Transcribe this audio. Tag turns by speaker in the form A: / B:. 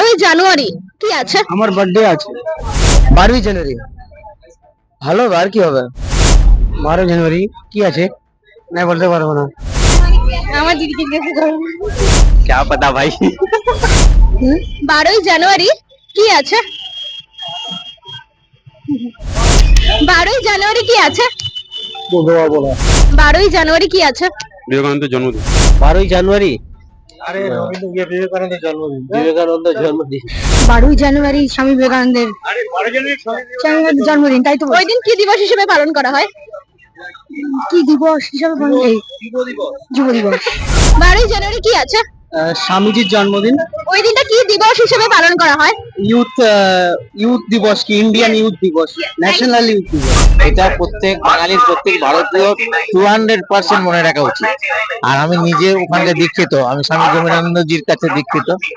A: জানুয়ারি কি আছে?
B: আমার বার্থডে আছে 12 জানুয়ারি। ভালো আর কি হবে? 12 জানুয়ারি কি আছে না বলতে পারবো না।
A: আমার দিদিকে জিজ্ঞেস করুন।
B: क्या पता भाई।
A: 12 জানুয়ারি কি আছে? 12 জানুয়ারি কি আছে? 12 জানুয়ারি কি আছে?
C: বিবেকানন্দের জন্মদিন।
B: 12 জানুয়ারি আরে বিবেকানন্দের জন্মদিন। বিবেকানন্দের জন্মদিন।
A: 12 জানুয়ারি স্বামী বিবেকানন্দের জন্মদিন, তাই তো? ওই দিন কি দিবস হিসেবে পালন করা হয়? কি দিবস হিসেবে পালন? যুব দিবস। 12 জানুয়ারি কি আছে?
B: স্বামীজির জন্মদিন।
A: ওই দিনটা কি দিবস হিসেবে পালন করা হয়?
B: ইউথ দিবস কি ইন্ডিয়ান ইউথ দিবস, ন্যাশনাল ইউথ দিবস। এটা প্রত্যেক বাঙালির, প্রত্যেক ভারতীয় 200% মনে রাখা উচিত। আর আমি নিজে ওখানে দীক্ষিত, আমি স্বামী বিবেকানন্দজির কাছে দীক্ষিত।